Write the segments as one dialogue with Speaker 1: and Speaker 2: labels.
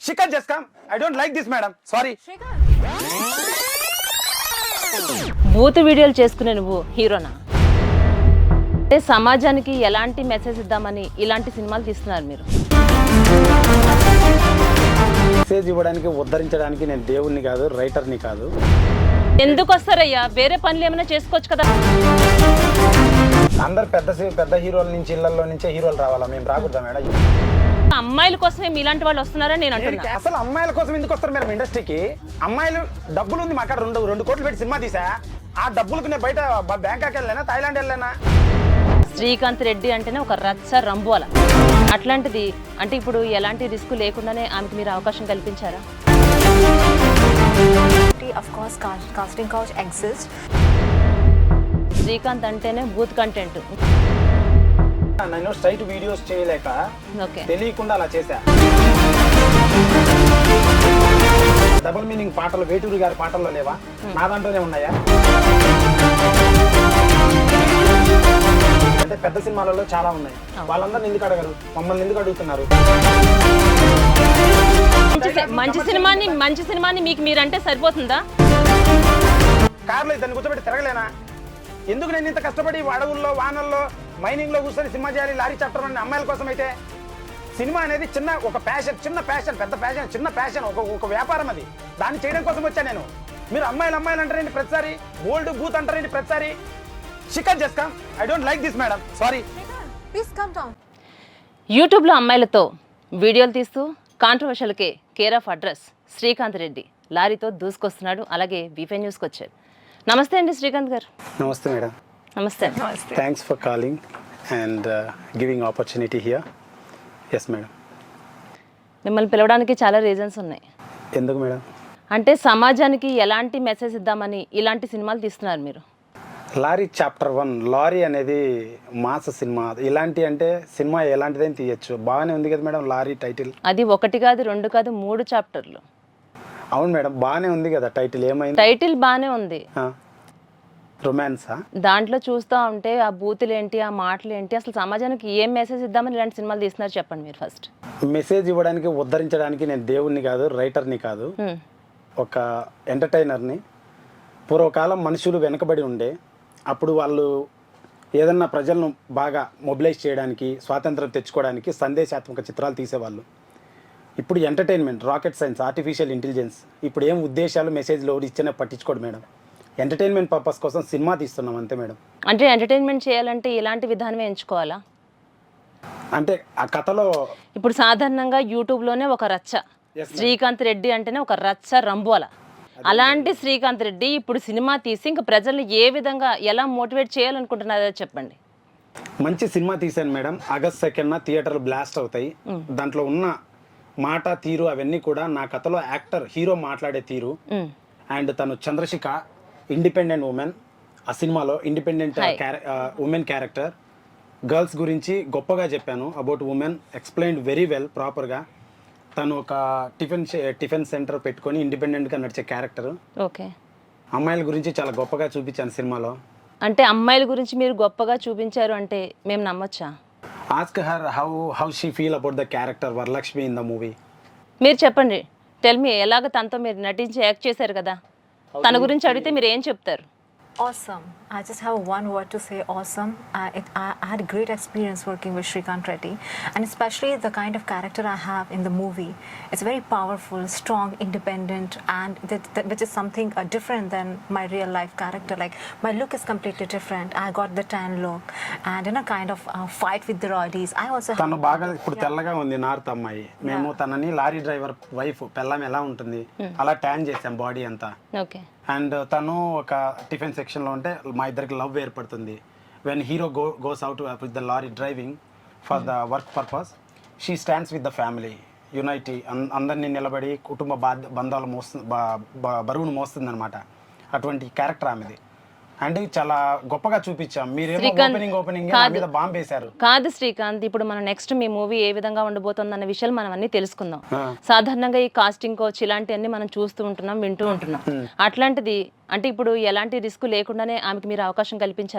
Speaker 1: Shikha just come. I don't like this, madam. Sorry.
Speaker 2: బూత్ వీడియోలు చేసుకునే నువ్వు హీరోనా? అంటే సమాజానికి ఎలాంటి మెసేజ్ ఇద్దామని ఇలాంటి సినిమాలు తీస్తున్నారు మీరు?
Speaker 1: మెసేజ్ ఇవ్వడానికి ఉద్ధరించడానికి నేను దేవుణ్ణి కాదు, రైటర్ని కాదు.
Speaker 2: ఎందుకు వస్తారయ్యా? వేరే పనులు ఏమైనా చేసుకోవచ్చు కదా.
Speaker 1: అందరు పెద్ద హీరోల నుంచి ఇళ్లలో నుంచే హీరోలు రావాలా? మేము రాకూడదా మేడం?
Speaker 2: అమ్మాయిల కోసమే మీలాంటి వాళ్ళు వస్తున్నారని నేను అంటున్నా.
Speaker 1: అసలు అమ్మాయిల కోసం ఎందుకు వస్తారు మేడం ఇండస్ట్రీకి? అమ్మాయిలు డబ్బులు ఉంది మా కాడ, రెండు కోట్లు పెట్టి సినిమా తీసా. ఆ డబ్బులకు నేను బయట బ్యాంకాక్ వెళ్ళానా, థాయిలాండ్ వెళ్ళానా?
Speaker 2: శ్రీకాంత్ రెడ్డి అంటేనే ఒక రచ్చ రంబోల. అట్లాంటిది అంటే ఇప్పుడు ఎలాంటి రిస్క్ లేకుండానే ఆమెకు మీరు అవకాశం కల్పించారా?
Speaker 3: Of course, casting couch exists.
Speaker 2: Srikanth అంటేనే బూత్ కంటెంట్.
Speaker 1: నేను స్ట్రైట్ వీడియోస్ చేయలేక
Speaker 2: ఓకే,
Speaker 1: తెలియకుండా అలా చేశా. డబుల్ మీనింగ్ పాటలు వేటూరి గారి పాటల్లో లేవా? నా దాంట్లోనే ఉన్నాయా? అంటే పెద్ద సినిమాలలో చాలా ఉన్నాయి. వాళ్ళందరిని ఎందుకు అడగరు? మమ్మల్ని ఎందుకు అడుగుతున్నారు?
Speaker 2: మంచి సినిమాని మీకు మీరంటే సరిపోతుందా?
Speaker 1: కార్లో దాన్ని కూర్చోబెట్టి తిరగలేనా? ఎందుకు నేను ఇంత కష్టపడి అడవుల్లో, వానల్లో, మైనింగ్ లో కూర్చొని సినిమా చేయాలి? లారీ చాప్టర్ అనే అమ్మాయిల కోసం అయితే సినిమా అనేది ఒక ప్యాషన్, చిన్న ప్యాషన్, పెద్ద ప్యాషన్, చిన్న ప్యాషన్, ఒక వ్యాపారం. అది దాన్ని చేయడం కోసం వచ్చా నేను. మీరు అమ్మాయిలు అంటారేంటి ప్రతిసారి? ఓల్డ్ బూత్ అంటారేంటి ప్రతిసారి? Shikhar just come. I don't like this madam, sorry.
Speaker 3: Please come down.
Speaker 2: యూట్యూబ్లో అమ్మాయిలతో వీడియోలు తీస్తూ కాంట్రవర్షియల్కే care of address Srikanth Reddy లారీతో దూసుకొస్తున్నాడు. అలాగే బీఫై న్యూస్కి వచ్చారు. నమస్తే అండి శ్రీకాంత్ గారు.
Speaker 1: నమస్తే మేడం.
Speaker 2: నమస్తే.
Speaker 1: Thanks for calling and giving opportunity here. Yes madam.
Speaker 2: మిమ్మల్ని పిలవడానికి చాలా రీజన్స్ ఉన్నాయి.
Speaker 1: ఎందుకు మేడం?
Speaker 2: అంటే సమాజానికి ఎలాంటి మెసేజ్ ఇద్దామని ఇలాంటి సినిమాలు తీస్తున్నారు మీరు.
Speaker 1: లారీ చాప్టర్ 1 లారీ అనేది మాస సినిమా. ఇలాంటి అంటే సినిమా ఎలాంటిదైనా తీయచ్చు. బాగానే ఉంది కదా మేడం లారీ టైటిల్?
Speaker 2: అది 1 కాదు 2 కాదు 3 చాప్టర్లు.
Speaker 1: అవును మేడం, బాగానే ఉంది కదా టైటిల్. ఏమైంది?
Speaker 2: టైటిల్ బాగానే ఉంది.
Speaker 1: రొమాన్సా?
Speaker 2: దాంట్లో చూస్తూ ఉంటే ఆ బూతులు ఏంటి, ఆ మాటలు ఏంటి, అసలు సమాజానికి ఏం మెసేజ్ ఇద్దామని ఇలాంటి సినిమాలు తీస్తున్నారు చెప్పండి మీరు ఫస్ట్.
Speaker 1: మెసేజ్ ఇవ్వడానికి ఉద్ధరించడానికి నేను దేవుణ్ణి కాదు, రైటర్ని కాదు, ఒక ఎంటర్టైనర్ని. పూర్వకాలం మనుషులు వెనకబడి ఉండే, అప్పుడు వాళ్ళు ఏదన్నా ప్రజలను బాగా మొబిలైజ్ చేయడానికి, స్వాతంత్రం తెచ్చుకోవడానికి సందేశాత్మక చిత్రాలు తీసేవాళ్ళు. ఇప్పుడు entertainment, rocket science, artificial intelligence. ఇప్పుడు ఏం ఉద్దేశాలు, మెసేజ్లు ఎవరు ఇచ్చినా పట్టించుకోడు మేడం. ఎంటర్టైన్మెంట్ పర్పస్ కోసం సినిమా తీస్తున్నాం అంతే మేడం.
Speaker 2: అంటే ఎంటర్టైన్మెంట్ చేయాలంటే ఇలాంటి విధానమే ఎంచుకోవాలా?
Speaker 1: అంటే ఆ కథలో
Speaker 2: ఇప్పుడు సాధారణంగా యూట్యూబ్లోనే ఒక రచ్చ, శ్రీకాంత్ రెడ్డి అంటేనే ఒక రచ్చ రంబోల. అలాంటి శ్రీకాంత్ రెడ్డి ఇప్పుడు సినిమా తీసి ఇంకా ప్రజల్ని ఏ విధంగా ఎలా మోటివేట్ చేయాలనుకుంటున్నారో చెప్పండి.
Speaker 1: మంచి సినిమా తీశాను మేడం. ఆగస్ట్ 2న థియేటర్లు బ్లాస్ట్ అవుతాయి. దాంట్లో ఉన్న మాట తీరు అవన్నీ కూడా నా కథలో యాక్టర్ హీరో మాట్లాడే తీరు. అండ్ తను చంద్రశిఖ ఇండిపెండెంట్ ఉమెన్. ఆ సినిమాలో ఇండిపెండెంట్ ఉమెన్ క్యారెక్టర్. గర్ల్స్ గురించి గొప్పగా చెప్పాను. About women explained very well, ప్రాపర్గా. తను ఒక టిఫిన్ సెంటర్ పెట్టుకొని ఇండిపెండెంట్గా నడిచే క్యారెక్టర్.
Speaker 2: ఓకే.
Speaker 1: అమ్మాయిల గురించి చాలా గొప్పగా చూపించాను సినిమాలో.
Speaker 2: అంటే అమ్మాయిల గురించి మీరు గొప్పగా చూపించారు అంటే మేము నమ్మొచ్చా?
Speaker 1: Ask her how she feel about the character Varalakshmi in the movie.
Speaker 2: మీరు చెప్పండి, టెల్ మీ. ఎలాగ తనతో మీరు నటించి యాక్ట్ చేశారు కదా, తన గురించి అడిగితే మీరు ఏం చెప్తారు?
Speaker 3: Awesome. I just have one word to say, awesome. I had a great experience working with Shrikant Reddy, and especially the kind of character I have in the movie. It's very powerful, strong, independent, and which is something different than my real life character. Like my look is completely different. I got the tan look, and in a kind of fight with the rowdies. I also
Speaker 1: తను బాగా ఇప్పుడు తెల్లగా ఉంది, north అమ్మాయి. మేము తనని lorry driver wife పెళ్ళాం ఎలా ఉంటుంది అలా ట్యాన్ చేసాం బాడీ అంతా.
Speaker 2: ఓకే.
Speaker 1: అండ్ తను ఒక టిఫిన్ సెక్షన్లో ఉంటే మా ఇద్దరికి లవ్ ఏర్పడుతుంది. When hero goes out with the lorry driving for the work purpose, she stands with the family unity. అందరినీ నిలబడి కుటుంబ బంధాలు బరువును మోస్తుంది అనమాట. అటువంటి క్యారెక్టర్ ఆమెది. అండ్ చాలా గొప్పగా చూపించాం. మీరేమో ఓపెనింగ్ మీద బాంబ్ వేశారు.
Speaker 2: కాదు శ్రీకాంత్, ఇప్పుడు మనం నెక్స్ట్ మీ మూవీ ఏ విధంగా ఉండబోతుంది అన్న విషయాలు మనం అన్ని తెలుసుకుందాం. సాధారణంగా ఈ కాస్టింగ్ కోచ్ ఇలాంటివన్నీ మనం చూస్తూ ఉంటున్నాం, వింటూ ఉంటున్నాం. అట్లాంటిది అంటే ఇప్పుడు ఎలాంటి రిస్క్ లేకుండానే ఆమెకి మీరు అవకాశం కల్పించారా?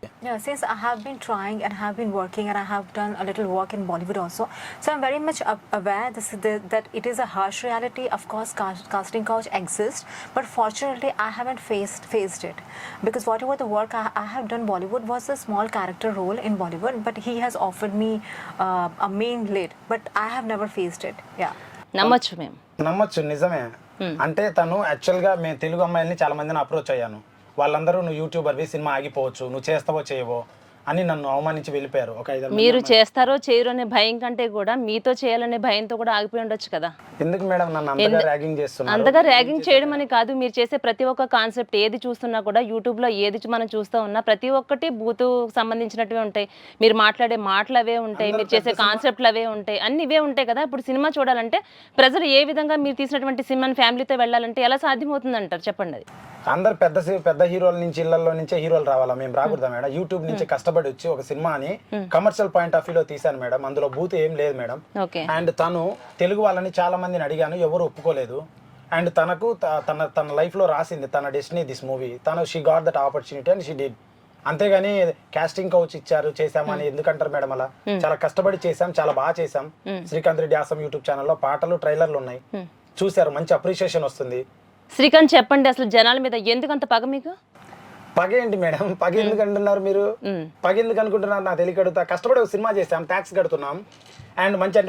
Speaker 3: Yeah, since I have been trying and have been working and I have done a little work in Bollywood also, so I'm very much aware that it is a harsh reality. Of course, casting couch exists, but fortunately, I haven't faced it because whatever the work I have done Bollywood was a small character role in Bollywood, but he has offered me a main lead, but I have never faced it. Yeah.
Speaker 2: నమ్మొచ్చు మేము.
Speaker 1: నమ్మొచ్చు, నిజమే. అంటే తను యాక్చువల్గా మేము తెలుగు అమ్మాయిల్ని చాలా మందిని అప్రోచ్ అయ్యాను. వాళ్ళందరూ నువ్వు యూట్యూబర్వి, సినిమా ఆగిపోవచ్చు, నువ్వు చేస్తావో చేయవో అని నన్ను అవమానించి వెళ్ళిపోయారు. ఒక 5
Speaker 2: మీరు చేస్తారో చేయరో అనే భయం కంటే కూడా మీతో చేయాలనే భయంతో కూడా ఆగిపోయి ఉండొచ్చు కదా.
Speaker 1: ఎందుకు మేడం నన్ను అంతగా ర్యాగింగ్ చేస్తున్నారు?
Speaker 2: అంతగా ర్యాగింగ్ చేయడం అని కాదు, మీరు చేసే ప్రతి ఒక్క కాన్సెప్ట్ ఏది చూస్తున్నా కూడా యూట్యూబ్లో ఏది మనం చూస్తూ ఉన్నా ప్రతి ఒక్కటి బూతు సంబంధించినట్టువే ఉంటాయి. మీరు మాట్లాడే మాటలు అవే ఉంటాయి, మీరు చేసే కాన్సెప్ట్లు అవే ఉంటాయి, అన్ని ఇవే ఉంటాయి కదా. ఇప్పుడు సినిమా చూడాలంటే ప్రజలు ఏ విధంగా మీరు తీసినటువంటి సినిమాని ఫ్యామిలీతో వెళ్ళాలంటే ఎలా సాధ్యమవుతుంది అంటారు చెప్పండి. అది
Speaker 1: అందరు పెద్ద హీరోల నుంచి ఇళ్లలో నుంచే హీరోలు రావాలా? మేము రాకూడదా మేడం? యూట్యూబ్ నుంచి కష్టపడి వచ్చి ఒక సినిమాని కమర్షియల్ పాయింట్ ఆఫ్ వ్యూలో తీశాను మేడం. అందులో బూత్ ఏం లేదు మేడం.
Speaker 2: ఓకే.
Speaker 1: అండ్ తను తెలుగు వాళ్ళని చాలా మందిని అడిగాను, ఎవరు ఒప్పుకోలేదు. అండ్ తనకు తన లైఫ్ లో రాసింది తన డెస్టినీ దిస్ మూవీ. తను she got that opportunity and she did. అంతేగాని కాస్టింగ్ కౌచ్ ఇచ్చారు చేసామని ఎందుకంటారు మేడం అలా? చాలా కష్టపడి చేసాం, చాలా బాగా చేసాం. శ్రీకాంత్ రెడ్డి ఆసం యూట్యూబ్ ఛానల్లో పాటలు ట్రైలర్లు ఉన్నాయి, చూసారు, మంచి అప్రిషియేషన్ వస్తుంది.
Speaker 2: శ్రీకాంత్ చెప్పండి, అసలు జనాల మీద ఎందుకంత పగ మీకు?
Speaker 1: పగ ఏంటి మేడం? పగ ఎందుకు అంటున్నారు మీరు? పగ ఎందుకు అనుకుంటున్నారు నాకు తెలియకడుగుతా. కష్టపడి ఒక సినిమా చేసాం, ట్యాక్స్ కడుతున్నాం, అండ్ మంచి